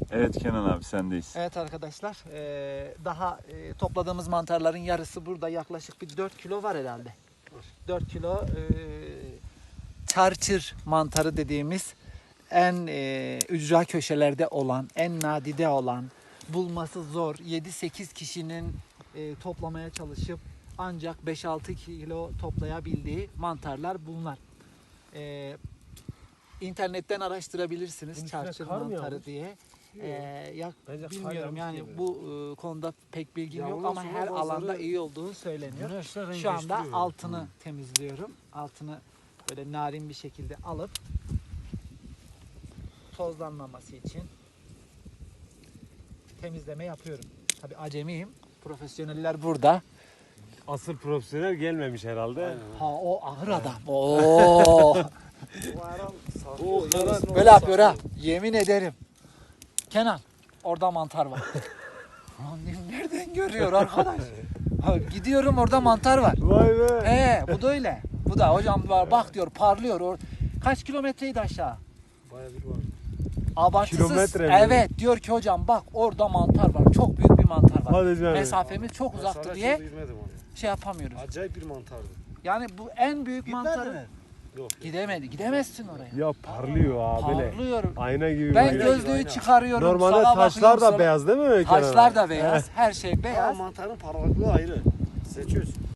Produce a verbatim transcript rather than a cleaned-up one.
Evet Kenan abi sendeyiz. Evet arkadaşlar, eee, daha eee, topladığımız mantarların yarısı burada, yaklaşık bir dört kilo var herhalde. dört kilo eee çarçır mantarı dediğimiz en eee, ücra köşelerde olan, en nadide olan, bulması zor, yedi sekiz kişinin eee, toplamaya çalışıp ancak beş altı kilo toplayabildiği mantarlar bunlar. Eee internetten araştırabilirsiniz Bunun üstüne çarçır kar mı mantarı yağmış? diye. Ee, ya Bence kar bilmiyorum yağmış yani gibi. bu e, konuda pek bilgim Ya yok ondan ama sonra her bazıları alanda iyi olduğu söyleniyor. Güneşler renk Şu anda değiştiriyor. altını temizliyorum. Altını böyle narin bir şekilde alıp tozlanmaması için temizleme yapıyorum. Tabii acemiyim. Profesyoneller burada. Asıl profesyonel gelmemiş herhalde. Ha o ahır adam. Oo. O kadar Böyle yapıyor ha. Yemin ederim. Kenan orada mantar var. Lan dedim, nereden görüyor arkadaş? Ha, gidiyorum orada mantar var. Vay be. He bu da öyle. Bu da hocam var bak diyor parlıyor. Or Kaç kilometreydi aşağı? Bayağı bir var. Abartısız. Kilometre mi? Evet diyor ki hocam bak orada mantar var. Çok büyük bir mantar var. Hadi canım. Mesafemiz çok uzaktı diye Girmedim oraya. şey yapamıyoruz. Acayip bir mantardı. Yani bu en büyük mantarı Yok. gidemedi. Gidemezsin oraya. Ya parlıyor abi. böyle. Parlıyor. Ayna gibi. Ben böyle. gözlüğü aynen. çıkarıyorum. Normalde sağa taşlar bakıyorum, da sola- beyaz değil mi? Kenan Taşlar abi? da beyaz. Her şey Ama beyaz. mantarın parlaklığı ayrı. Seçiyorsun.